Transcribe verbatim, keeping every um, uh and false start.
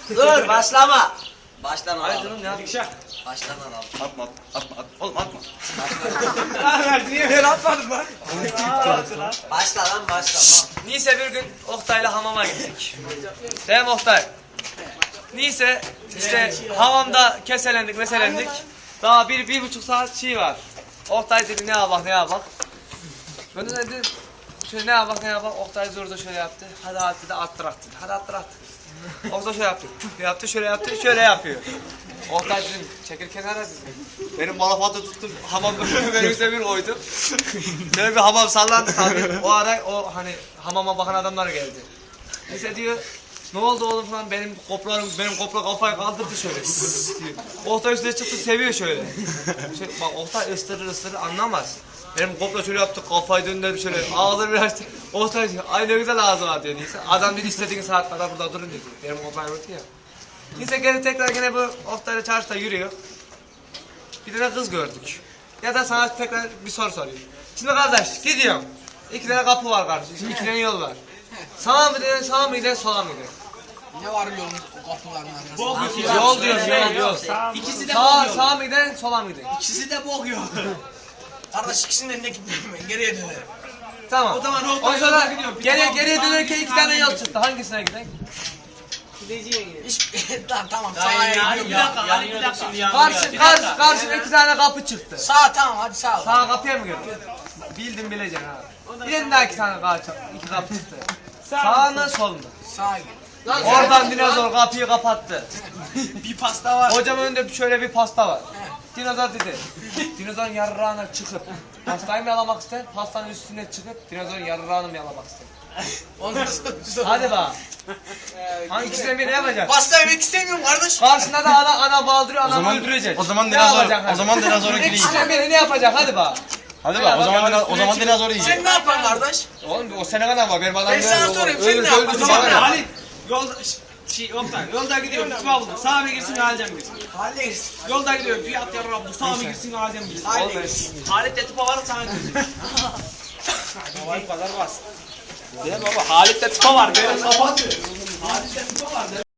Dur başlama. Baştan Hayır alalım. canım ya. Dikşah. Baştan alalım. Atma atma atma. Oğlum atma. Ver niye ben atmadım lan? Başla lan başla. Neyse bir gün Oktay'la hamama gittik. Değil mi Oktay? Neyse işte hamamda keselendik meselendik. Daha bir, bir buçuk saat şey var. Oktay dedi ne yapak ne yapak. Ben de dedim şöyle ne yapak ne yapak. Oktay zorda şöyle yaptı. Hadi hadi dedi attırak dedi. Hadi attırak dedi. Oktay şöyle yaptı. Yaptı şöyle yaptı şöyle yapıyor. Oktay dedim çekil kenara dedim. Benim malafatı tuttum hamam benim üstüne bir koydum. Böyle bir hamam sallandı tabii. O ara o hani hamama bakan adamlar geldi. Neyse diyor ne oldu oğlum falan benim koplarım benim kopla kafayı kaldırdı şöyle. Oktay üstüne çıktı seviyor şöyle. şöyle bak Oktay ısırır ısırır anlamaz. Benim kopla şöyle yaptı kafayı döndürdü şöyle ağzını bir açtı. Oktay diyor ay ne güzel ağzı var diyor neyse. Adam dedi istediğin saat kadar burada durun dedi. Benim koplayı vurdu ya. Neyse gene tekrar gene bu Oktay'la çarşıda yürüyor. Bir tane kız gördük. Ya da sana tekrar bir soru sorayım. Şimdi kardeş gidiyorum. İki tane kapı var kardeşim. İki tane yol var. Sağa mı gidiyorsun, sağa mı gidiyorsun, sola mı gidiyorsun? Ne var yolun o kapıların arkasında? Yol diyorum, yol, yol. İkisi de Sağ, bok yol. sağa mı gidiyorsun, sola mı gidiyorsun? İkisi de bok yol. Kardeş ikisinin önüne gitmiyorum ben. Geriye dönerim. Tamam. O zaman O Oktay sonra yolda gidiyorum. Bir geriye tamam, geriye sağa dönerken gidiyorum, iki tane sağa yol gidiyorum. çıktı. Hangisine gidelim? Hiç tamam tamam sağa gidiyorum. Bir dakika Ali bir dakika şimdi Karşı, karşı, karşına iki tane kapı çıktı. Sağ tamam hadi sağ ol. Sağa kapıya mı girdin? Bildin bileceksin ha. Bir daha iki tane kapı, iki kapı çıktı. Sağ mı, sol mu? Sağa git. Oradan dinozor kapıyı kapattı. Bir pasta var. Hocam önünde şöyle bir pasta var. Dinozor dedi. Dinozorun yarrağına çıkıp pastayı mı yalamak ister? Pastanın üstüne çıkıp dinozorun yarrağını mı yalamak ister? Ondan sonra Hadi bak. Hangisinden biri ne yapacak? pasta yemek istemiyorum kardeş. Karşında da ana ana baldırıyor, O anamı zaman öldürecek. o zaman Ne dinozor yapacak hadi? o zaman dinozora gireyim. İkisinden biri ne yapacak? Hadi bak. Hadi bak o zaman dino- o zaman dinozor Sen yiyecek. ne yapan kardeş? Oğlum o sene kadar var benim adam. Ben sana böyle sorayım, olur. sen Ölür, ne öldür, yaparsın? bana ne? Halit yolda şey Oktay yolda gidiyorum tutma buldum. Sağa mı girsin alacağım girsin. Hallederiz. Yolda gidiyorum bir at yarın bu sağa mı girsin alacağım girsin. Hallederiz. Halit de tıpa var sana girsin. Bu kadar basit. Değil mi baba? Halit de tıpa var. Benim kapat. Halit de tıpa var.